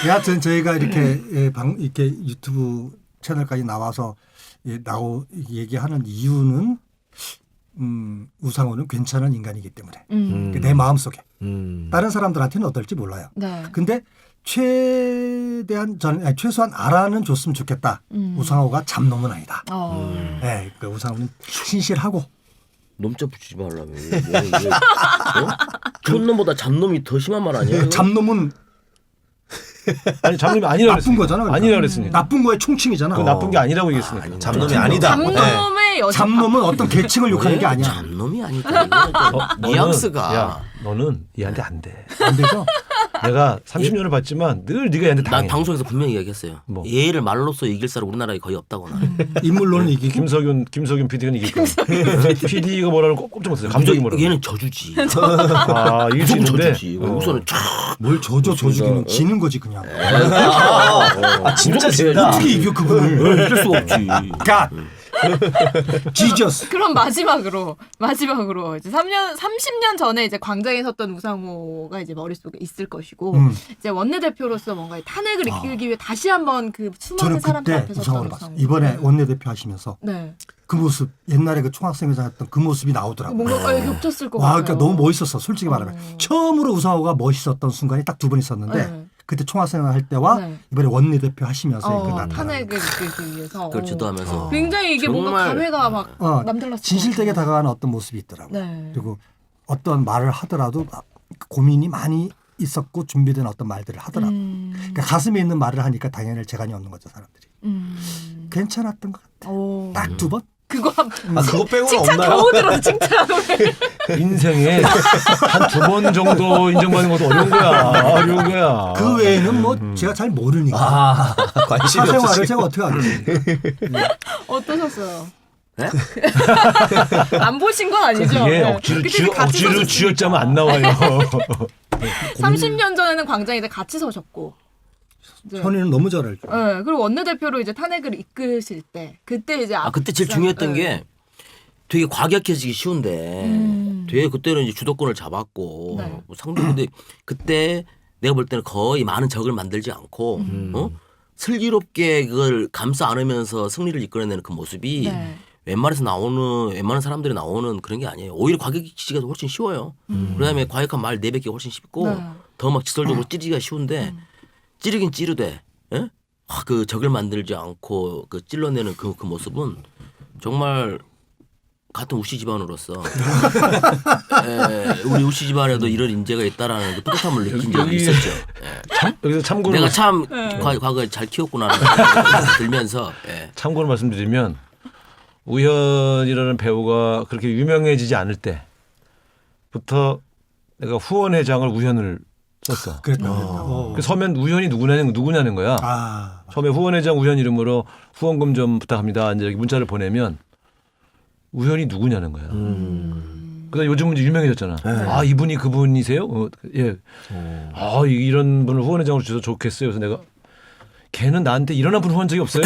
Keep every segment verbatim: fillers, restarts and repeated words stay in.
여하튼 저희가 이렇게 예, 방 이렇게 유튜브 채널까지 나와서 예, 나오 얘기하는 이유는 음, 우상호는 괜찮은 인간이기 때문에 음. 내 마음 속에 음. 다른 사람들한테는 어떨지 몰라요. 네. 근데 최대한 전 아니, 최소한 알아는 줬으면 좋겠다. 음. 우상호가 잡놈은 아니다. 어. 음. 네, 그 우상호는 신실하고 놈자 붙이지 말라며. 왜, 왜, 왜, 어? 촌놈보다 잡놈이 더 심한 말 아니야? 이거? 잡놈은 아니 잡놈이 아니라고 나쁜 그랬으니까. 거잖아. 그러니까. 아니라고 그랬으니까. 나쁜 거의 총칭이잖아. 그 나쁜 게 아니라고 얘기했으니까. 아니, 잡놈이 아니다. 잡놈의 여자. 잡놈은 어떤 계층을 욕하는 게 아니야. 잡놈이 아니다. 이거는 좀 어, 너는, 뉘앙스가. 야, 너는 얘한테 안 돼. 안 되죠? 내가 삼십 년을 봤지만 늘 네가 얘한테 난 당해. 방송에서 분명히 얘기했어요. 뭐? 얘를 말로써 이길 사람 우리나라에 거의 없다고 나는. 인물로는 이기고 김석윤 김석윤 피디는 이길 거야. 피디가 뭐라고 꼭 꼼짝 못했어요. 감독이 뭐라고. 얘는 저주지. 아 이길 수 무조건 있는데. 저주지. 어. 우선은 쫙. 뭘 저저 저주기는 어? 지는 거지 그냥. 아, 진짜 진다. 어떻게 이겨 그분을? 이길 수가 없지. 갓 지저스. 그럼 마지막으로 마지막으로 이제 삼 년 삼십 년 전에 이제 광장에 섰던 우상호가 이제 머릿속에 있을 것이고 음. 이제 원내대표로서 뭔가 탄핵을 아. 이끌기 위해 다시 한번 그 수많은 저는 사람들 그때 앞에 섰던 우상호를 우상호. 봤어요. 이번에 원내대표 하시면서 네. 그 모습 옛날에 그 총학생회장 했던 그 모습이 나오더라고. 뭔가 어, 겹쳤을 것 와, 같아요. 그러니까 너무 멋있었어. 솔직히 말하면 어. 처음으로 우상호가 멋있었던 순간이 딱 두 번 있었는데 네. 그때 총학생회 할 때와 네. 이번에 원내대표 하시면서 어, 그 나타나는 탄핵을 이끌기 위해서 그걸 어. 주도하면서. 굉장히 이게 뭔가 정말- 감회가 막 어, 남달랐을 진실되게 것 같아요. 다가가는 어떤 모습이 있더라고. 네. 그리고 어떤 말을 하더라도 고민이 많이 있었고 준비된 어떤 말들을 하더라고. 음. 그러니까 가슴에 있는 말을 하니까 당연히 재간이 없는 거죠 사람들이. 음. 괜찮았던 것 같아. 오. 딱 두 번. 그거 한 아, 그거 빼고는 칭찬 없나요? 겨우 들어서 칭찬. 인생에 한 두 번 정도 인정받는 것도 어려운 거야. 어려운 거야. 그 외에는 뭐 제가 잘 모르니까. 아, 관심이 사생활을 없으시. 제가 어떻게 하겠어요. 어떠셨어요? 네? 안 보신 건 아니죠? 그게 네. 억지로 그때 쥐어, 같이 억지로 서셨으니까. 쥐어짜면 안 나와요. 삼십 년 전에는 광장에 이제 같이 서셨고. 이제, 현이는 너무 잘 알죠. 네, 그리고 원내대표로 이제 탄핵을 이끄실 때 그때 이제 아 그때 제일 앞선- 중요했던 네. 게 되게 과격해지기 쉬운데 음. 되게 그때는 이제 주도권을 잡았고 네. 뭐 상대 근데 그때 내가 볼 때는 거의 많은 적을 만들지 않고 음. 어? 슬기롭게 그걸 감싸 안으면서 승리를 이끌어내는 그 모습이 네. 웬만해서 나오는 웬만한 사람들이 나오는 그런 게 아니에요. 오히려 과격해지기가 훨씬 쉬워요. 그다음에 과격한 말 내뱉기가 훨씬 쉽고 네. 더 막 지설적으로 찌르기가 쉬운데 찌르긴 찌르되 예? 아, 그 적을 만들지 않고 그 찔러내는 그, 그 모습은 정말 같은 우씨 집안으로서 에, 우리 우씨 집안에도 이런 인재가 있다라는 그 뿌듯함을 느낀 적이 여기- 있었죠. 예. 여기서 참고로 내가 참 네. 과, 과거에 잘 키웠구나라는 생각이 들면서 예. 참고로 말씀드리면 우현이라는 배우가 그렇게 유명해지지 않을 때부터 내가 후원회장을 우현을 썼어. 그랬다. 어. 그 서면 우현이 누구냐는 누구냐는 거야. 아, 처음에 후원회장 우현 이름으로 후원금 좀 부탁합니다. 이제 이렇게 문자를 보내면 우현이 누구냐는 거야. 음. 그다음 요즘은 이제 유명해졌잖아. 네. 아 이분이 그분이세요? 어, 예. 아 이- 이런 분을 후원회장으로 주셔서 좋겠어요. 그래서 내가 걔는 나한테 일어나 분 후원 적이 없어요.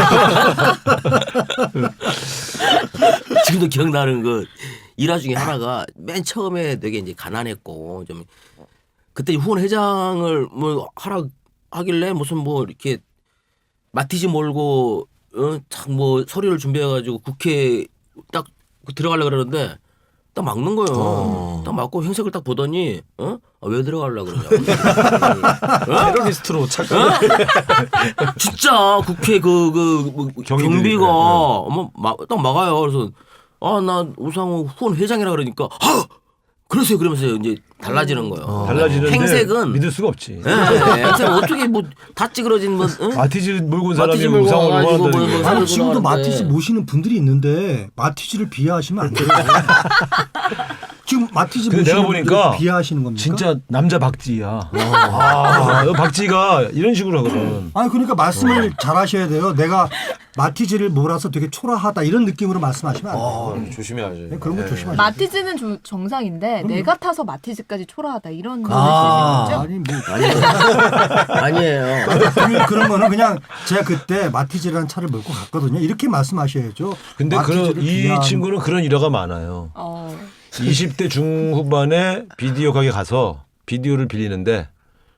지금도 기억나는 그 일화 중에 하나가 맨 처음에 되게 이제 가난했고 좀 그때 후원 회장을 뭐 하라 하길래 무슨 뭐 이렇게 마티즈 몰고 어, 참뭐 서류를 준비해가지고 국회 딱 들어가려 그러는데 딱 막는 거예요. 어. 딱 막고 행색을 딱 보더니 어? 아, 왜 들어가려 그러냐? 테러리스트로 착각. 진짜 국회 그, 그, 뭐 경위들이, 경비가 네, 네. 어머 막, 딱 막아요. 그래서 아, 나 우상호 후원 회장이라 그러니까 아! 그러세요. 그러면서 이제 달라지는 거예요. 달라지는데 행색은 믿을 수가 없지. 예, 행색은 어떻게 뭐 다 찌그러진 뭐 응? 마티즈 몰고 온 사람이 마티즈 몰고 우상을 와가지고 후원한다는 뭐- 게. 뭐- 아니 지금도 그러는데. 마티즈 모시는 분들이 있는데 마티즈를 비하하시면 안 돼요. 지금 마티즈 근데 모시는 내가 보니까 분들 비하하시는 겁니까? 진짜 남자 박지희야. 아, 너 박지희가 이런 식으로 하거든. 아니 그러니까 말씀을 잘 하셔야 돼요. 내가 마티즈를 몰아서 되게 초라하다 이런 느낌으로 말씀하시면 안 돼요. 아, 조심해야지. 네, 그런 거 네. 조심하셔야 돼요. 마티즈는 조- 정상인데 내가 타서 마티즈까지 초라하다 이런 아. 말씀이죠? 아니 뭐 아니에요. 그- 그런 거는 그냥 제가 그때 마티즈라는 차를 몰고 갔거든요. 이렇게 말씀하셔야죠. 근데 그런 마티즈를 이 비하하는- 친구는 그런 일화가 많아요. 어. 이십 대 중후반에 비디오 가게 가서 비디오를 빌리는데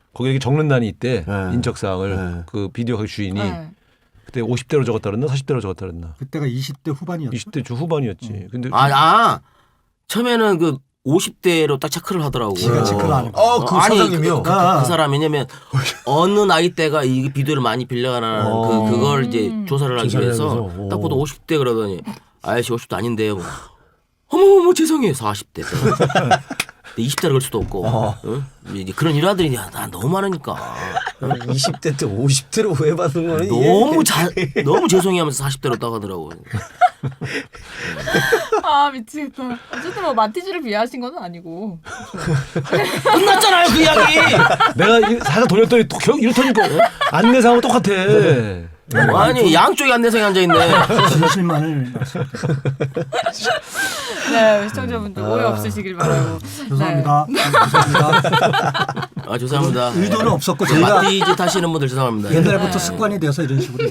거기에 적는 난이 있대. 네. 인적사항을 네. 그 비디오 가게 주인이 네. 그때 오십 대로 적었다 그랬나 사십 대로 적었다 그랬나. 그때가 이십 대 후반이었죠. 이십 대 주 후반이었지. 근데 아, 아 처음에는 그 오십 대로 딱 체크를 하더라고. 지가 체크를 하는 거. 어, 그 아니, 사장님이요. 그, 그, 그 사람 왜냐면 어느 나이대가 이 비디오를 많이 빌려가는 어. 그 그걸 이제 음. 조사를 하기 조사를 위해서 해서. 오. 딱 보도 오십 대 그러더니 아저씨 오십 대 아닌데요. 뭐. 어머머머 죄송해요 사십 대. 이십 대를 걸 수도 없고 어. 응? 이제 그런 일화들이 야, 나 너무 많으니까 이십 대 때 오십 대로 후회받는 거는 너무 자, 너무 죄송해하면서 사십 대로 따가더라고. 아 미치겠다. 어쨌든 뭐 마티즈를 비하하신 건 아니고. 끝났잖아요 그 이야기. 내가 이 살짝 돌렸더니 또 겨- 이렇다니까 안내상하고 똑같아. 아니 양쪽에 안내상에 앉아 있네. 진실만을 네 시청자분들 오해 없으시길 바라고. 죄송합니다. 네. 죄송합니다. 아 죄송합니다. 의도는 없었고 제가 마티즈 타시는 분들 죄송합니다. 옛날부터 습관이 돼서 이런 식으로.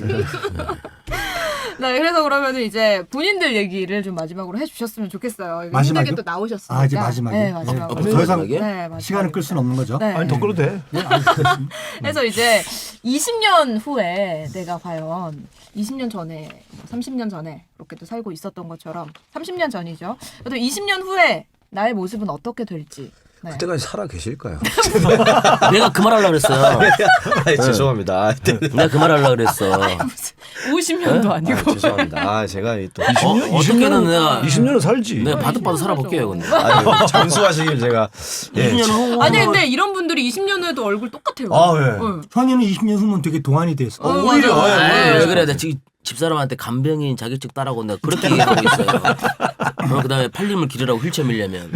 네, 그래서 그러면은 이제 본인들 얘기를 좀 마지막으로 해주셨으면 좋겠어요. 이거 마지막이요? 힘들게 또 나오셨으니까. 아, 이제 마지막이요? 네, 마지막으로. 어, 더 이상 마지막이에요? 네, 마지막으로. 시간을 끌 수는 없는 거죠. 네. 아니 더 끌어도 돼. 네, 알겠습니다. 그래서 이제 이십 년 후에 내가 과연 이십 년 전에, 뭐 삼십 년 전에 이렇게 또 살고 있었던 것처럼 삼십 년 전이죠. 그래도 이십 년 후에 나의 모습은 어떻게 될지. 네. 그때까지 살아 계실까요? 내가 그 말 하려고 그랬어요. 아, 죄송합니다. 아, 네. 내가 그 말 하려고 그랬어. 오십 년도 아, 아니고. 죄송합니다. 아, 제가 이 또 어, 어떻게든 내가 이십 년은 살지. 내가 바득바득 살아볼게요. 근데 아니, 장수하시길 제가 예. 이십 년 후. 아니 근데 이런 분들이 이십 년 후에도 얼굴 똑같아요. 아, 예. 응. 현이는 이십 년 후면 되게 동안이 됐어. 어, 오히려, 맞아. 예, 아, 예. 왜 그래? 나 지금 집사람한테 간병인 자격증 따라고 내가 그렇게 얘기하고 있어요. 어, 그다음에 팔림을 기르라고 휠체어 밀려면.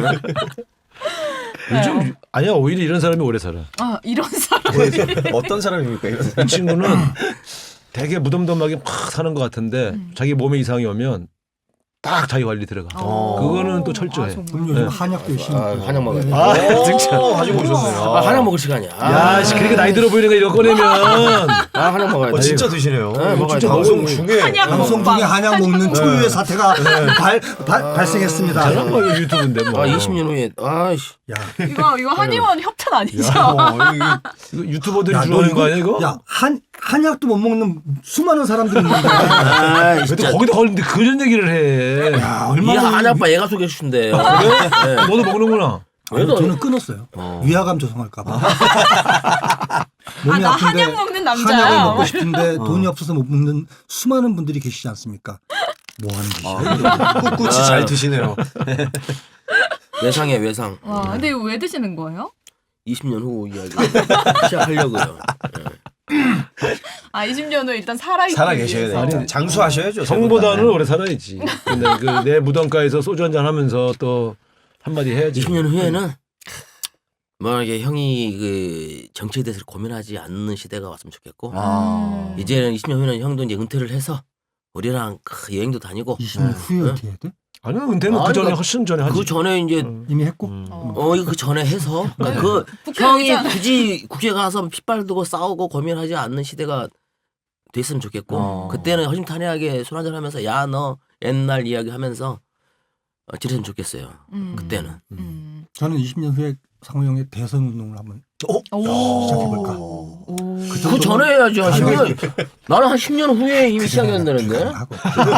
요즘 아니야 오히려 이런 사람이 오래 살아. 아 이런 사람. 어떤 사람입니까? 이런 사람? 이 친구는 되게 무덤덤하게 막 사는 것 같은데 음. 자기 몸에 이상이 오면 딱 자기 관리 들어가. 어. 그거는 또 철저해. 아, 정말. 그럼 요즘 네. 한약도 열심히. 아, 먹고. 한약 먹어야 돼. 네. 아, 진짜. 오, 가지고 오셨네요. 아, 한약 먹을 시간이야. 야, 씨, 그러니까 나이 들어 보이는 거 이거 꺼내면. 아, 한약 먹어야 돼. 어, 진짜 드시네요. 네, 먹어야 진짜 돼. 방송 중에 한약 방송 먹방. 중에 한약 먹는 초유의 사태가 발, 발, 발생했습니다. 잘한 거 이거 유튜브인데 뭐. 아, 이십 년 후에 아이씨. 야, 이거 이거 한의원 협찬 아니죠? 어, 이게 이거 유튜버들이 야, 주로 하는 너 거 아니야 이거? 야, 한 한약도 못 먹는 수많은 사람들이 있는데. 아, 근데 진짜. 거기다 걸리는데 그런 얘기를 해. 야, 이 얼마나 한약바 얘가 소개해 주신대요. 너도 먹는구나. 아니, 왜도- 저는 끊었어요. 어. 위화감 조성할까봐. 아, 나 한약 먹는 남자야. 한약을 먹고 싶은데 돈이 없어서 못 먹는 수많은 분들이 계시지 않습니까? 뭐 하는 짓이야? 꿋꿋이 잘 드시네요. 외상이야 외상. 와, 근데 이거 왜 드시는 거예요? 이십 년 후 이야기 시작하려고요. 아, 이십 년 후에 일단 살아 있기 살아 계셔야 위해서. 돼요. 장수하셔야죠. 성보다는 오래 살아야지. 근데 그 내 무덤가에서 소주 한잔 하면서 또 한마디 해야지. 이십 년 후에는 뭐 이게 형이 그 정치에 대해서 고민하지 않는 시대가 왔으면 좋겠고 아. 음. 이제는 이십 년 후에는 형도 이제 은퇴를 해서 우리랑 크, 여행도 다니고 이십 년 네. 후에 어떻게 해야 돼? 아니야 은퇴는 아니, 그 전에 그러니까 훨씬 전에 하지. 그 전에 이제 음. 이미 했고. 어. 어 이거 그 전에 해서 그러니까 그 국회의장. 형이 굳이 국회 가서 핏발 두고 싸우고 고민하지 않는 시대가 됐으면 좋겠고 어. 그때는 허심탄회하게 술 한잔 하면서 야 너 옛날 이야기 하면서 어, 지냈으면 좋겠어요. 음. 그때는. 음. 저는 이십 년 후에 상호 형의 대선 운동을 한번 오. 시작해볼까? 오. 그 전에 해야지 한 십 년 나는 한 십 년 후에 이미 시작했는데 하고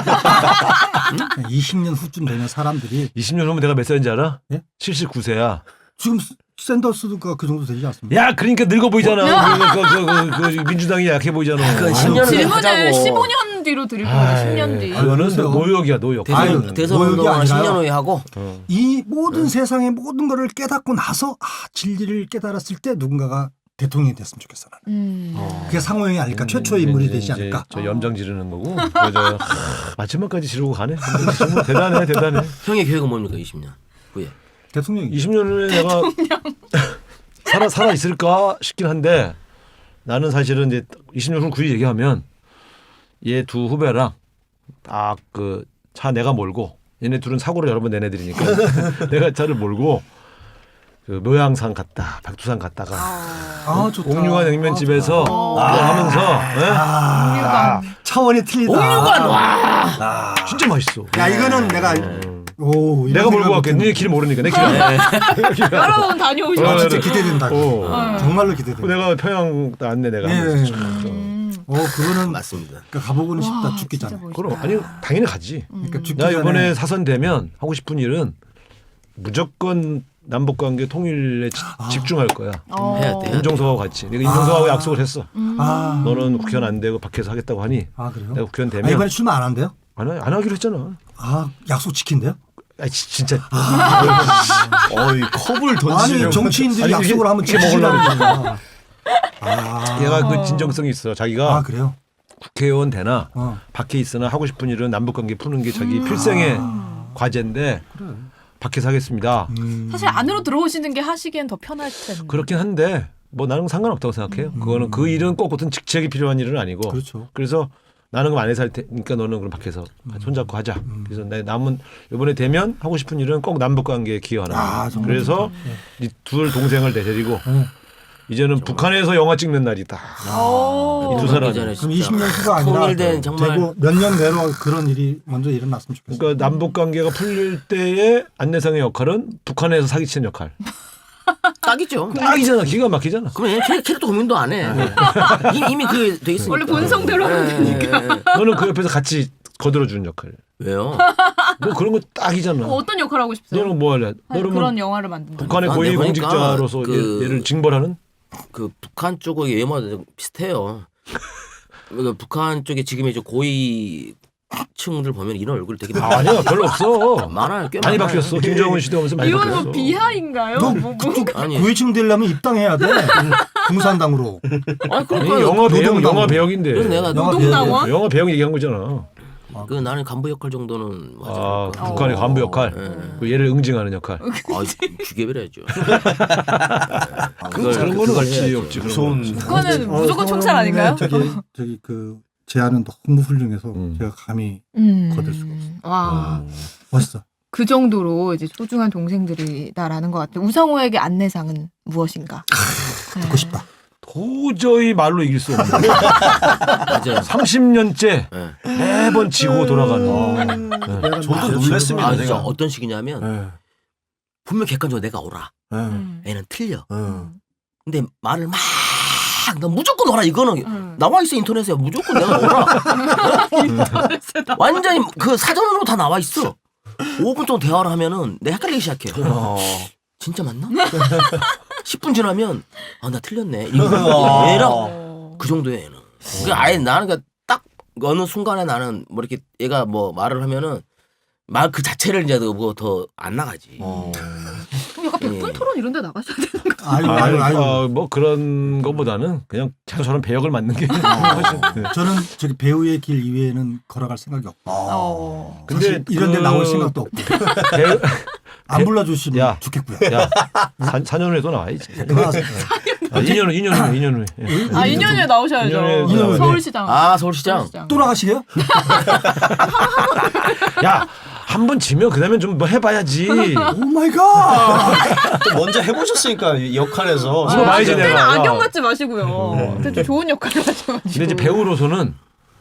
이십 년 후쯤 되면 사람들이 이십 년 후면 내가 몇 살인지 알아? 예? 칠십구 세야. 지금 샌더스가 그 정도 되지 않습니까? 야, 그러니까 늙어 보이잖아. 그, 그, 그, 그, 그 민주당이 약해 보이잖아. 그 아유, 십 년 후에 질문을 하자고. 십오 년 뒤로 드릴 거예요. 십 년 뒤. 아유, 이거는 그러세요. 노역이야, 노역. 대선 아유, 대선 노역이 운동을 십 년 아니라요. 후에 하고 어. 이 모든 세상의 모든 거를 깨닫고 나서 아, 진리를 깨달았을 때 누군가가 대통령이 됐으면 좋겠어 나는. 음. 그게 상호 형이 아닐까 최초의 인물이 이제 되지 이제 않을까. 저 염장 지르는 거고. 그래서 하, 마지막까지 지르고 가네. 정말 대단해, 대단해. 형의 계획은 뭡니까 이십 년 후에 대통령이. 이십 년 후에 내가 살아 살아 있을까 싶긴 한데 나는 사실은 이제 이십 년 후 굳이 얘기하면 얘 두 후배랑 딱 그 차 내가 몰고 얘네 둘은 사고를 여러 번 낸 애들이니까 내가 차를 몰고 그 묘양산 갔다 백두산 갔다가 아 좋다. 옥류관 냉면집에서 아, 그거 하면서 예? 아, 차원이 틀리다. 옥류관 와 진짜 맛있어. 야 이거는 내가 오, 이런 내가 몰고 생각 갈게. 못했네. 네 길 모르니까 내 길. 알아. 여러 번 다녀오셨죠. 아, 어, 진짜 네. 기대된다. 어. 네. 정말로 기대된다. 내가 평양 안내 내가. 네. 하면서 쭉 음. 어, 그거는 맞습니다. 그러니까 가보고는 와, 싶다 진짜 죽기잖아. 멋있다. 그럼 아니 당연히 가지. 그러니까 죽기 나 전에 이번에 사선 되면 하고 싶은 일은 무조건 남북 관계 통일에 지- 아. 집중할 거야. 어. 해야 돼. 임종석하고 같이. 내가 임종석하고 아. 약속을 했어. 음. 아, 너는 국회의원 안 되고 밖에서 하겠다고 하니 아 그래요? 내가 국회의원 아, 되면 이번에 출마 안 한대요? 안, 하- 안 하기로 했잖아. 아, 약속 지킨대요? 아 진짜 어이 컵을 아니 던지려고. 정치인들이 아니, 약속을 이게- 하면 이게 지키려고 먹으려고 그러잖아. 아, 얘가 그 진정성이 있어. 자기가 아 그래요? 국회의원 되나 어. 밖에 있으나 하고 싶은 일은 남북 관계 푸는 게 자기 필생의 과제인데 그래. 밖에서 하겠습니다. 음. 사실 안으로 들어오시는 게 하시기엔 더 편할 텐데. 그렇긴 한데 뭐 나는 상관없다고 생각해요. 그거는 그 일은 꼭 어떤 직책이 필요한 일은 아니고. 그렇죠. 그래서 나는 그럼 안에서 할 테니까 너는 그럼 밖에서 손잡고 하자. 그래서 내 남은 이번에 되면 하고 싶은 일은 꼭 남북 관계에 기여하는 거야. 아, 정말 그래서 이 둘 동생을 데리고 네. 이제는 북한에서 영화 찍는 날이다. 오. 이두 사람이. 전에 그럼 진짜 이십 년 후가 아니라 통일된 정말 되고 몇 년 내로 그런 일이 먼저 일어났으면 좋겠어요. 그러니까 남북 관계가 풀릴 때의 안내상의 역할은 북한에서 사기치는 역할. 딱이죠. 딱이잖아. 기가 막히잖아. 그럼 얘 캐- 캐릭터 고민도 안 해. 이미, 이미 그게 돼 있으니까. 원래 본성대로 하면 되니까. 예, 예. 너는 그 옆에서 같이 거들어주는 역할. 왜요? 뭐 그런 거 딱이잖아. 어, 어떤 역할 하고 싶어요? 너는 뭐 할래? 아니, 너는 그런 뭐 영화를 만든다. 북한의 아, 고위 내가 보니까 공직자로서 그- 얘- 얘를 징벌하는? 그 북한 쪽의 외모가 좀 비슷해요. 그러니까 북한 쪽에 지금 이제 고위층들 보면 이런 얼굴 되게 아, 아니야 별로 없어. 많아요. 꽤 많이 많아요. 바뀌었어. 김정은 시대 오면서 많이 이건 바뀌었어. 뭐 비하인가요? 너 뭐, 뭐. 그쪽 아니. 고위층 되려면 입당해야 돼. 공산당으로. 아니 아니, 그러니까 영화 배역 노동당. 영화 배역인데. 그래서 내가 영화 노동당원? 영화 배역 얘기한 거잖아. 그 나는 간부 역할 정도는 아, 하지 않을까. 북한의 어. 간부 역할. 예. 그 얘를 응징하는 역할. 아, 죽여버려야죠. 그런 그걸- 거는 그걸 없지, 해야죠. 없지. 그런 무서운. 건 없지. 그거는 어, 무조건 총살 서울의 아닌가요? 저기 저기 그 제안은 너무 훌륭해서 음. 제가 감히 음. 거들 수가 없어. 와. 멋있어. 그 정도로 이제 소중한 동생들이다라는 것 같아요. 우상호에게 안내상은 무엇인가? 듣고 싶다. 도저히 말로 이길 수 없는. 맞아요. 삼십 년째 예. 매번 지고 돌아가는. 어. 저도 놀랐습니다. 아 진짜 내가. 어떤 식이냐면 네. 분명 객관적으로 내가 오라. 네. 음. 애는 틀려. 네. 근데 말을 막 너 무조건 오라 이거는 음. 나와 있어 인터넷에 무조건 내가 오라. 완전히 그 사전으로 다 나와 있어. 오 분 정도 대화를 하면은 내 헷갈리기 시작해. 어. 진짜 맞나? 십 분 지나면 아 나 틀렸네. 이거 어. 얘랑 어. 그 정도야 얘는. 그러니까 아예 나는 그러니까 딱 어느 순간에 나는 뭐 이렇게 얘가 뭐 말을 하면은 말 그 자체를 이제 뭐 더 안 나가지. 어. 그럼 약간 백분 예. 토론 이런 데 나가셔야 되는 거 아유, 아유, 아유, 아유. 어, 뭐 그런 것보다는 그냥 자꾸 저런 배역을 맡는 게. 네. 저는 저기 배우의 길 이외에는 걸어갈 생각이 없고. 어. 근데 사실 이런 데 그- 나올 생각도 없고. 배우, 안 불러주시면 야. 좋겠고요. 야, 사 년 후에 또 나와야지. 돌아가세요. 아, 이 년 후, 이 년 후에, 이 년 후에. 예. 아, 이 년 후에 나오셔야죠. 이 년 후에 나와요. 서울시장. 아 서울시장. 또 나가시게요? 야, 한 번 지면 그다음엔 좀 뭐 해봐야지. 오 마이 갓. 또 먼저 해보셨으니까 이 역할에서. 이거 많이 그때는 지내가. 야. 악역 같지 마시고요. 그때 좀 좋은 역할을 하셔가지고. 근데 이제 배우로서는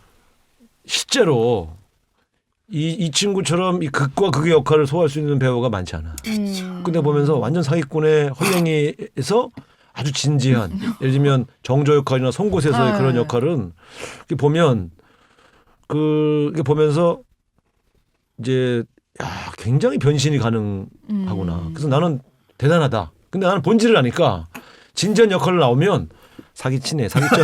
실제로 이, 이 친구처럼 이 극과 극의 역할을 소화할 수 있는 배우가 많지 않아. 음. 근데 보면서 완전 사기꾼의 헐랭이에서 아주 진지한, 예를 들면 정조 역할이나 송곳에서의 네. 그런 역할은 이렇게 보면 그 이게 보면서 이제 야, 굉장히 변신이 가능하구나. 음. 그래서 나는 대단하다. 근데 나는 본질을 아니까 진지한 역할을 나오면 사기치네, 사기쳐.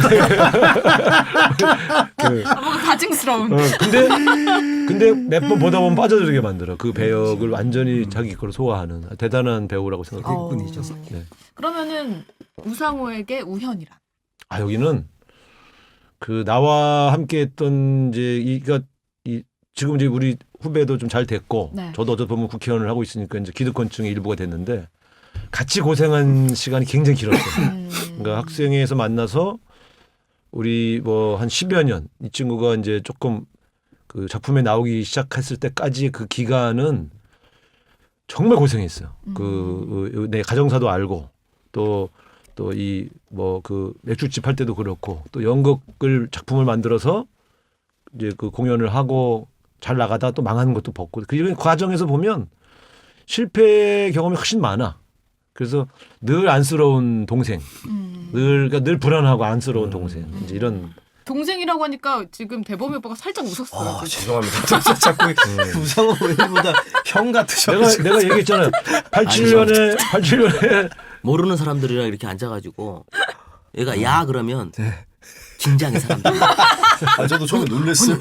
그, 아, 뭔가 가증스러운. 어, 근데 근데 몇 번 보다 보면 빠져들게 만들어. 그 배역을 완전히 자기 거로 소화하는 대단한 배우라고 생각해요. 어. 분이셔서. 네. 그러면은 우상호에게 우현이란. 아 여기는 그 나와 함께했던 이제 이가 이 지금 이제 우리 후배도 좀 잘 됐고 네. 저도 어쩌 보면 국회의원을 하고 있으니까 이제 기득권층의 일부가 됐는데 같이 고생한 시간이 굉장히 길었어요. 음. 그러니까 학생회에서 만나서 우리 뭐 한 십여 년 이 친구가 이제 조금 그 작품에 나오기 시작했을 때까지 그 기간은 정말 고생했어요. 음. 그 내 가정사도 알고 또 또 이 뭐 그 맥주집 할 때도 그렇고 또 연극을 작품을 만들어서 이제 그 공연을 하고 잘 나가다 또 망하는 것도 벗고 그 과정에서 보면 실패 경험이 훨씬 많아. 그래서 늘 안쓰러운 동생, 음. 늘 그러니까 늘 불안하고 안쓰러운 동생 이제 이런. 동생이라고 하니까 지금 대범이 오빠가 살짝 웃었어요. 아, 죄송합니다. 자꾸 우상호 의원보다 형 내가 같으셔가지고. 내가 얘기했잖아요. 팔십칠 년에 팔십칠 년에 모르는 사람들이랑 이렇게 앉아가지고 얘가 야 그러면 네. 긴장해 사람들. 아, 저도 처음에 놀랐어요.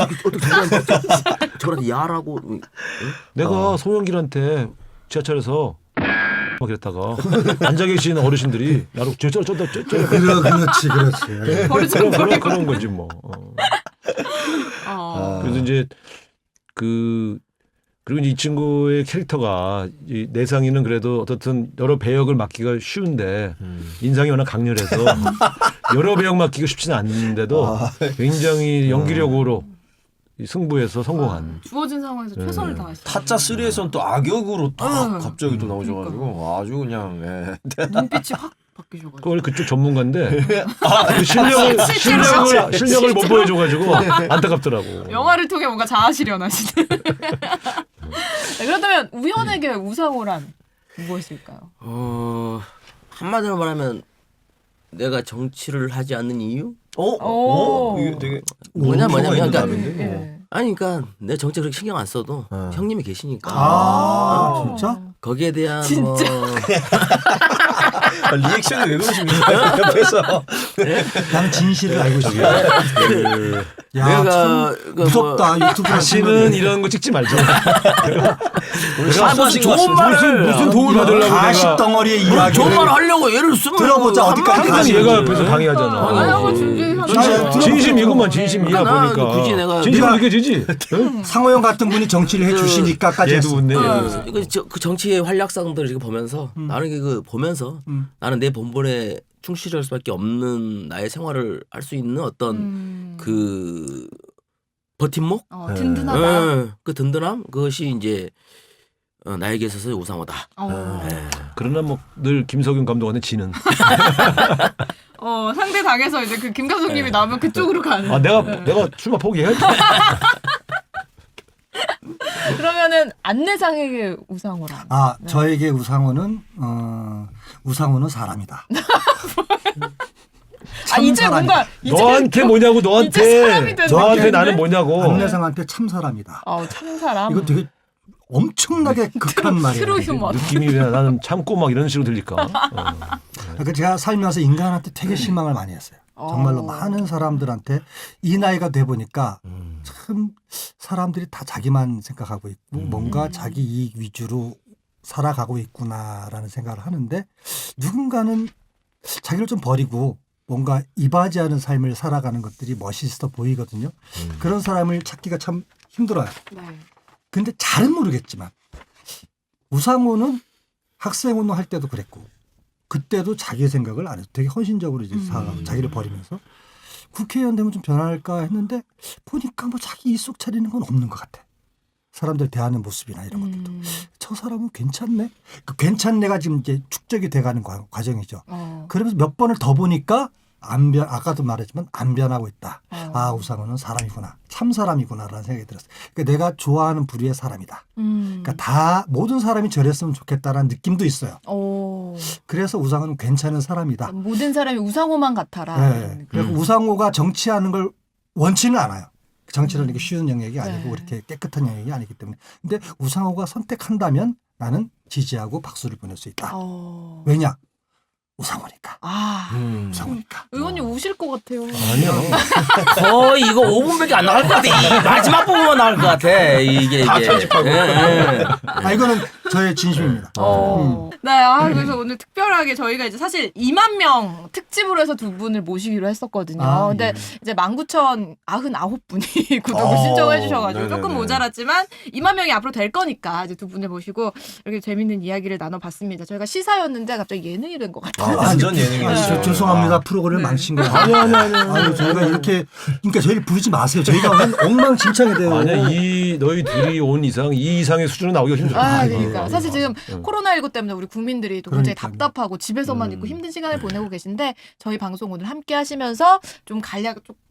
저한테 야라고. 응? 내가 송영길한테 지하철에서 막 이랬다가 앉아 계신 어르신들이 나로 저저 저저 저 그러, 그렇지, 그렇지. 그런 그런 그런 거지 뭐. 어. 어. 그래서 이제 그 그리고 이제 이 친구의 캐릭터가 이 내상이는 그래도 어떻든 여러 배역을 맡기가 쉬운데 음. 인상이 워낙 강렬해서 여러 배역 맡기가 쉽지는 않는데도 아. 굉장히 연기력으로 이 승부에서 성공한. 주어진 상황에서 네. 최선을 다하시죠. 타짜 쓰리에서는 또 악역으로 딱 음. 갑자기 또 나오셔가지고 아주 그냥 예. 눈빛이 확 바뀌셔가지고. 그 원래 그쪽 전문가인데 그 실력을 실제로 실력을 실제로. 실력을 못 보여줘가지고 안타깝더라고. 영화를 통해 뭔가 자아실현하시는. 네, 그렇다면 우현에게 우상호란 무엇일까요? 어 한마디로 말하면 내가 정치를 하지 않는 이유? 어? 오. 어? 이게 되게 뭐냐 뭐냐면 있는 그러니까 답인데? 예. 아니 그러니까 내 정치 그렇게 신경 안 써도 어. 형님이 계시니까 아, 진짜? 거기에 대한 진짜? 뭐 아, 리액션이 왜 그러십니까? 옆에서. 나는 진실을 알고 있어. 야, 내가 참 그 무섭다. 유튜브 다시는 이런 거 찍지 말자. 오늘 아, 무슨 실수하신 것 좋은 같습니다. 말을 무슨 도움을 받으려고 가십 내가 덩어리의 뭐 이야기를 좋은 말을 하려고 얘를 쓰면 들어보자, 어디까지 한마디 항상 가지? 얘가 옆에서 방해하잖아. 아니, 아니, 한번 아니, 준비하세요. 진짜 진심 이것만 진심이야 그러니까 나는 보니까. 굳이 내가 진심 네가- 느껴지지? 응? 상호형 같은 분이 정치를 해주시니까까지 얘도 했어. 웃네. 얘도 어, 웃어. 이거 저, 그 정치의 활약상들을 이렇게 보면서 나는 이게 그 보면서 음. 나는 내 본분에 충실할 수밖에 없는 나의 생활을 할 수 있는 어떤 음. 그 버팀목, 어, 네. 든든하다. 어, 그 든든함 그것이 이제 어, 나에게 있어서 우상호다. 어. 네. 그러나 뭐 늘 김석윤 감독한테 지는. 어, 상대 당에서 이제 그 김 감독님이 나오면 그쪽으로 가는. 아 내가 내가 출마 포기해? 그러면은 안내상에게 우상호란. 아, 저에게 우상호는 어, 우상호는 사람이다. 아 이제 뭔가 이제 너한테 뭐냐고 이제 너한테 사람이 된 너한테 느낌인데? 나는 뭐냐고. 안내상한테 참 사람이다. 어, 참 사람. 이거 되게 엄청나게 극한 말이에요. 트루 휴머. 느낌이 왜 나는 참고 막 이런 식으로 들릴까? 어. 그러니까 제가 살면서 인간한테 되게 실망을 많이 했어요. 정말로 어. 많은 사람들한테 이 나이가 돼 보니까 참 사람들이 다 자기만 생각하고 있고 뭔가 자기 이익 위주로 살아가고 있구나라는 생각을 하는데 누군가는 자기를 좀 버리고 뭔가 이바지하는 삶을 살아가는 것들이 멋있어 보이거든요. 그런 사람을 찾기가 참 힘들어요. 네. 근데 잘은 모르겠지만 우상호는 학생운동 할 때도 그랬고 그때도 자기 생각을 안 해서 되게 헌신적으로 이제 살아가고 자기를 버리면서 국회의원 되면 좀 변할까 했는데 보니까 뭐 자기 입속 차리는 건 없는 것 같아. 사람들 대하는 모습이나 이런 것들도 음. 저 사람은 괜찮네. 그 괜찮네가 지금 이제 축적이 돼가는 과- 과정이죠. 어. 그러면서 몇 번을 더 보니까 안 변, 아까도 말했지만 안 변하고 있다. 어. 아 우상호는 사람이구나, 참 사람이구나라는 생각이 들었어요. 그러니까 내가 좋아하는 부류의 사람이다. 음. 그러니까 다 모든 사람이 저랬으면 좋겠다라는 느낌도 있어요. 오. 그래서 우상호는 괜찮은 사람이다. 모든 사람이 우상호만 같아라. 네. 그리고 우상호가 정치하는 걸 원치는 않아요. 정치는 이렇게 쉬운 영역이 아니고 네. 그렇게 깨끗한 영역이 아니기 때문에. 근데 우상호가 선택한다면 나는 지지하고 박수를 보낼 수 있다. 어. 왜냐? 우상호니까. 아. 음. 우상호니까. 의원님 우실 것 같아요. 아니야. 거의 이거 오 분밖에 안 나갈 것 같아. 이 마지막 부분만 나올 것 같아. 이게 다 이게. 편집하고. 예, 예. 아 이거는 저의 진심입니다. 어. 네, 아, 그래서 오늘 특별하게 저희가 이제 사실 이만 명 특집으로 해서 두 분을 모시기로 했었거든요. 아, 근데 예. 이제 만 구천구십구 분이 구독을 어, 신청해 주셔가지고 네네네. 조금 모자랐지만 이만 명이 앞으로 될 거니까 이제 두 분을 모시고 이렇게 재밌는 이야기를 나눠봤습니다. 저희가 시사였는데 갑자기 예능이 된 것 같아요. 아, 완전 예능이었어요. 아니, 저, 죄송합니다. 프로그램을 네. 망친 거예요. 아니, 아니, 아니. 아니, 저희가 이렇게, 그러니까 저희를 부르지 마세요. 저희가 오늘 엉망진창이 돼요. 아니야 이 너희 둘이 온 이상 이 이상의 수준은 나오기가 힘들어. 아, 아이고. 그러니까 사실 지금 코로나십구 때문에 우리 국민들이 또 굉장히 그러니까요. 답답하고 집에서만 음. 있고 힘든 시간을 보내고 계신데 저희 방송 오늘 함께 하시면서 좀 간략 좀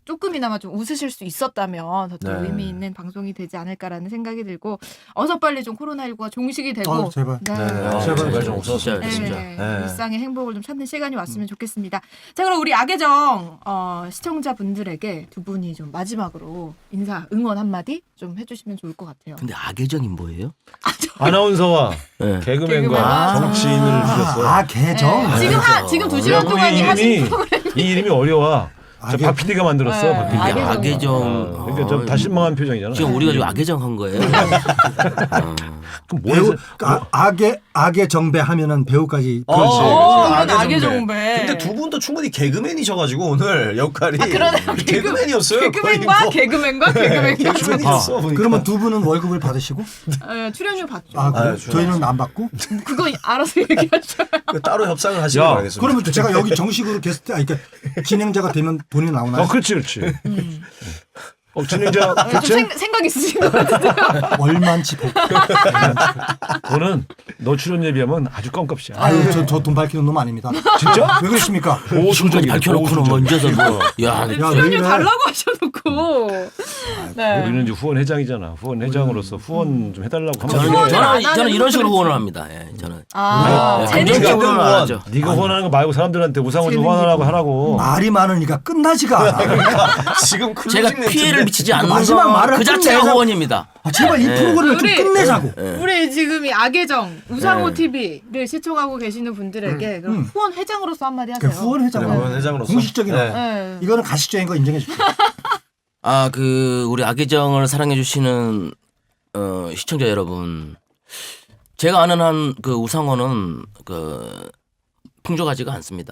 조금이나마 좀 웃으실 수 있었다면 더 네. 의미 있는 방송이 되지 않을까라는 생각이 들고 어서 빨리 좀 코로나십구가 종식이 되고 아, 제발. 네. 네. 아, 제발, 제발 좀 진짜, 없었으면 네, 진짜. 네. 일상의 행복을 좀 찾는 시간이 왔으면 좋겠습니다. 자, 그럼 우리 악의정 어, 시청자분들에게 두 분이 좀 마지막으로 인사, 응원 한마디 좀 해주시면 좋을 것 같아요. 근데 악의정이 뭐예요? 아나운서와 네. 개그맨과 개그맨과 정치인을 주셨어. 아, 계정. 네, 지금 한 지금 두 시간 우리 동안이 하신 이름이 이 이름이 어려워. 저 악의- 박 피디가 만들었어. 네, 박 피디. 악의정. 악의정. 어, 그러니까 좀 다 실망한 표정이잖아. 지금 우리가 지금 악의정 한 거예요. 어. 그럼 뭐 배우 해서- 아, 악의 악의 정배 하면은 배우까지 그렇지. 어, 그렇지. 악의 악의 정배. 정배. 근데 두 분도 충분히 개그맨이셔가지고 오늘 역할이 아, 그러네. 개그맨이었어요. 개그맨과 거의 뭐. 개그맨과 개그맨과 개그맨이었어. 보니까. 그러면 두 분은 월급을 받으시고 어, 출연료 받죠. 아, 그래요? 아, 좋아요. 저희는 안 받고 그거 알아서 얘기하죠. 그 따로 협상을 하시길 야, 바라겠습니다. 그러면 제가 여기 정식으로 게스트 아니 그러니까 진행자가 되면 돈이 나오나요? 어, 그렇지, 그렇지. 어, 진행자 좀 교체? 생, 생각 있으신 것 같은데요. 얼마인지 보고. 너는 너 출연료에 비하면 아주 껌값이야. 아유 저 저 돈 밝히는 놈 아닙니다. 진짜? 왜 그러십니까? 지금까지 밝혀놓고는 먼저서 뭐. 야, 야, 왜 출연료 이래? 달라고 하셔놓고. 네. 우리는 이제 후원 회장이잖아. 후원 회장으로서 후원 좀 해달라고 하면 저는 후원을 안 저는, 하는 저는 이런 식으로 분들은 후원을 합니다. 예, 저는. 아, 예, 재능 감정적으로는 안 후원. 하죠. 네가 후원하는 거 말고 사람들한테 우상을 좀 후원하라고 하라고. 말이 많으니까 끝나지가 않아. 지금 클로징 제가 멘트인데. 피해를 미치지 않는 마지막 거 말을 그 자체가 끝내자. 후원입니다. 아, 제발 이 네. 프로그램을 좀 우리- 끝내자고. 우리 지금 이 악의정 우상호 네. 티비를 시청하고 계시는 분들에게 그럼 음. 후원 회장으로서 한마디 그 하세요. 후원 회장 네, 후원 회장으로서. 공식적인 네. 네. 이거는 가식적인 거 인정해 줄게요. 아, 그 우리 악의정을 사랑해 주시는 어, 시청자 여러분, 제가 아는 한 그 우상호는 그 풍족하지가 않습니다.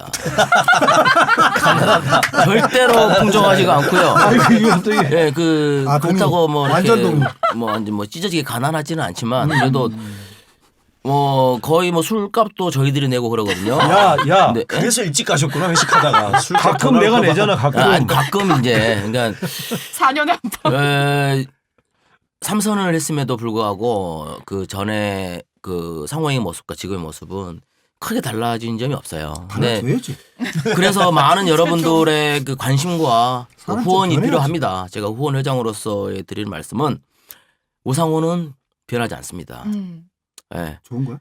절대로 풍족하지가 않고요. 아이고 이건 또 이게 예, 그 아, 동의. 그렇다고 뭐 완전 이렇게 동의. 뭐 완전 뭐 찢어지게 가난하지는 않지만 그래도 뭐 거의 뭐 술값도 저희들이 내고 그러거든요. 야, 야. 네. 그래서 일찍 가셨구나 회식하다가 술 가끔 내가 내잖아, 가끔. 아, 아니, 가끔 이제 그러니까 사 년에 한 번. 에, 삼선을 했음에도 불구하고 그 전에 그 상호의 모습과 지금의 모습은 크게 달라진 점이 없어요. 네. 받아줘야지. 그래서 많은 여러분들의 그 관심과 그 사람 좀 후원이 변해야지. 필요합니다. 제가 후원 회장으로서 드리는 말씀은 우상호는 변하지 않습니다. 음. 예. 좋은 거야?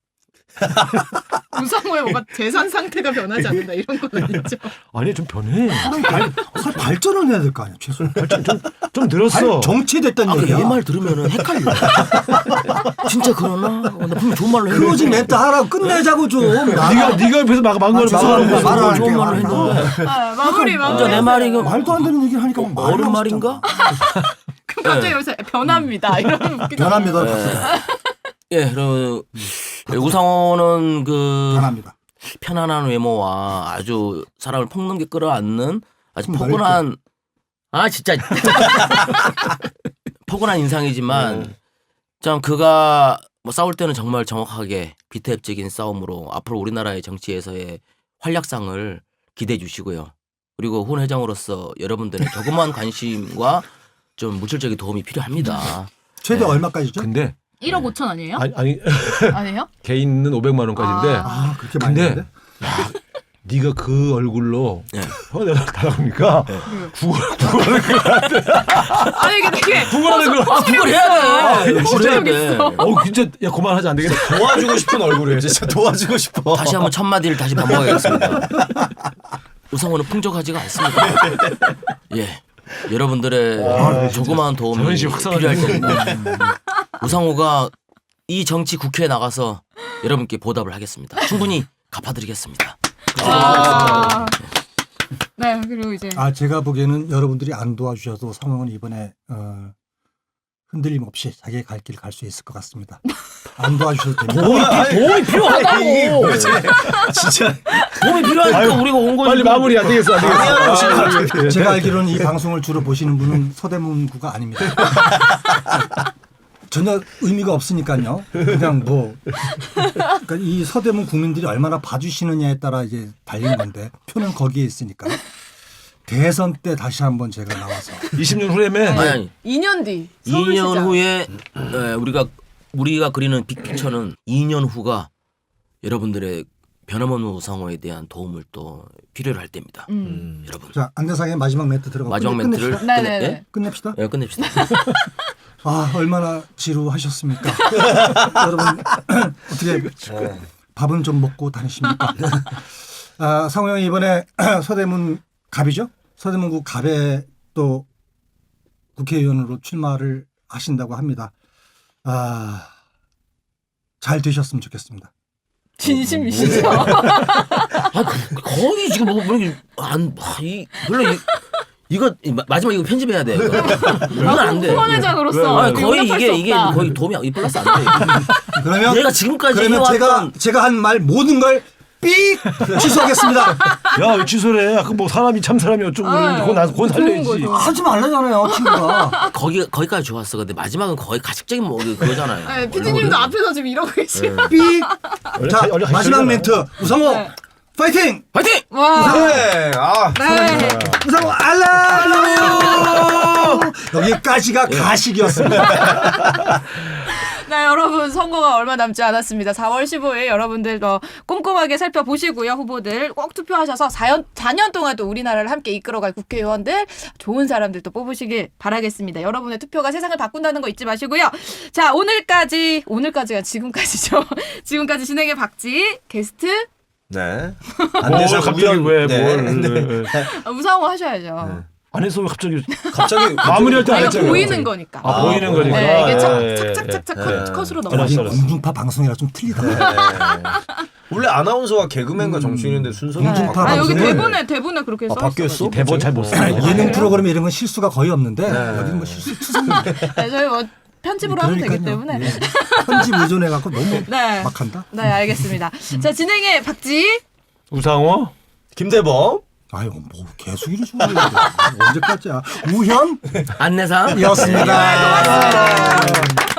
우상호의 뭔가 재산 상태가 변하지 않는다 이런 건 아니죠. 아니 좀 변해. 사람이 발, 사람 발전을 해야 될 거 아니야 최소. 좀, 좀, 좀 늘었어. 정치됐다는 아, 얘기야. 얘 말 들으면 헷갈려. 진짜 그러나? 어, 나 분명 좋은 말로 했는데. 클로징 멘트 하라고 끝내자고 좀. 네가 네가 옆에서 막 막말을 아, 막아놓고 죄송합니다. 있어. 말을 좋은 말로 할게요. 했는데. 아, 마무리 진짜 마무리. 내 말이 그 말도 안 되는 얘기를 하니까 막 말이 어른 나오고 말인가? 그럼 갑자기 여기서 변합니다. 이런 웃기다. 변합니다. 네. 갑시다. 예, 그럼 우상호는 그 변합니다. 편안한 외모와 아주 사람을 폭넘게 끌어안는 아주 좀 포근한 아 진짜 포근한 인상이지만 참 그가 뭐 싸울 때는 정말 정확하게 비태협적인 싸움으로 앞으로 우리나라의 정치에서의 활약상을 기대해 주시고요. 그리고 훈 회장으로서 여러분들의 조그만 관심과 좀 물질적인 도움이 필요합니다. 최대 얼마까지죠? 근데 일억 오천 아니에요? 아니, 아니 아니에요? 개인은 오백만 원까지인데 아 그렇게 많이 근데 했는데? 네가 그 얼굴로 네. 내가 달라보니까 구걸 구걸을 아니 이게 되게 구걸하는 걸 아 그걸 해야 돼. 그걸 해야 소리가 돼. 있어. 어 진짜 야 그만하지 안 되겠다. 도와주고 싶은 얼굴이에요. 진짜 도와주고 싶어. 다시 한번 첫 마디를 다시 반복하겠습니다. 우상호는 풍족하지가 않습니다. 예, 여러분들의 조그마한 도움이 자존심 확 필요할 상하네. 겁니다. 우상호가 이 정치 국회에 나가서 여러분께 보답을 하겠습니다. 충분히 갚아드리겠습니다. 아. 네 그리고 이제 아 제가 보기에는 여러분들이 안 도와주셔도 상황은 이번에 어, 흔들림 없이 자기의 갈 길 갈 수 있을 것 같습니다. 안 도와주셔도 됩니다. 도움이 필요하다고. 진짜 도움이 필요하니까 아유, 우리가 온 거지. 빨리 마무리 안 되겠어 안 되겠어. 아, 제가 알기로는 이 방송을 주로 보시는 분은 서대문구가 아닙니다. 전혀 의미가 없으니까요. 그냥 뭐 그러니까 이 서대문 국민들이 얼마나 봐주시느냐에 따라 이제 달린 건데 표는 거기에 있으니까 대선 때 다시 한번 제가 나와서 이십 년 후에면 아니, 아니. 이 년 뒤 이 년 서울시장. 후에 에, 우리가 우리가 그리는 빅피처는 이 년 후가 여러분들의 변함없는 우상호에 대한 도움을 또 필요로 할 때입니다. 음. 여러분. 자 안대상의 마지막 멘트 들어가. 마지막 멘트를 끝내, 네네네. 예? 끝냅시다. 예, 끝냅시다. 아 얼마나 지루하셨습니까? 여러분 어떻게 밥은 좀 먹고 다니십니까? 아, 상호 형이 이번에 서대문 갑이죠? 서대문구 갑에 또 국회의원으로 출마를 하신다고 합니다. 아, 잘 되셨으면 좋겠습니다. 진심이시죠? 아, 그- 거의 지금 뭐, 뭐, 이게 안, 아, 이, 별로, 이, 이거, 이 마- 마지막 이거 편집해야 돼. 이거. 이건 안 돼. 후원회장으로서 아, 거의 용납할 이게, 수 이게 없다. 거의 도움이, 이 플러스 안 돼. 그러면 얘가 지금까지 그러면 제가 해왔던 제가 한 말 모든 걸 삑 취소하겠습니다. 야, 왜 취소를 해? 아까 뭐 사람이 참 사람이 어쩌고 아, 그러는데 그거 나서 그건 좋은 살려야지. 거죠. 하지 말라잖아요, 친구가. 거기, 거기까지 좋았어. 근데 마지막은 거의 가식적인 뭐, 그거잖아요. 네, 피디님도 앞에서 지금 이러고 계시고. 삑. 원래 자 가- 원래 마지막 가시잖아요. 멘트 우상호 네. 파이팅. 화이팅! 와. 네. 아. 네. 우상호 알라뷰. 여기까지가 예. 가식이었습니다. 네, 여러분 선거가 얼마 남지 않았습니다. 사월 십오일 여러분들 더 꼼꼼하게 살펴보시고요. 후보들 꼭 투표하셔서 사 년, 사 년 동안 또 우리나라를 함께 이끌어갈 국회의원들 좋은 사람들 또 뽑으시길 바라겠습니다. 여러분의 투표가 세상을 바꾼다는 거 잊지 마시고요. 자, 오늘까지 오늘까지가 지금까지죠. 지금까지 진행의 박지 게스트 네. 뭘 갑자기 왜 네. 뭘? 네. 네. 아, 우상호 하셔야죠. 안 했어 왜 갑자기 갑자기 마무리할 때 안 이거 했잖아요. 보이는 거니까. 아, 보이는 거니까. 네, 이게 착, 예, 예, 착착착착 예. 컷, 컷으로 알았어, 넘어가요. 여기 알았어. 공중파 방송이라 좀 틀리다. 네. 원래 아나운서와 개그맨과 정치인인데 순서가 공중파 좀 아, 여기 방송은- 대본에 대본에 그렇게 아, 써 바뀌었어? 대본 잘 못 써. 아, 네. 예능 프로그램 이런 건 실수가 거의 없는데 여기는 뭐 실수 투성인데. 네, 저희 뭐 편집으로 하면 되기 때문에. 예. 편집 의존해 갖고 너무 네. 막한다. 네, 알겠습니다. 자, 진행의 박지. 우상호 김대범. 아유 뭐 계속 이러지 언제까지야. 우현 안내상. 이었습니다.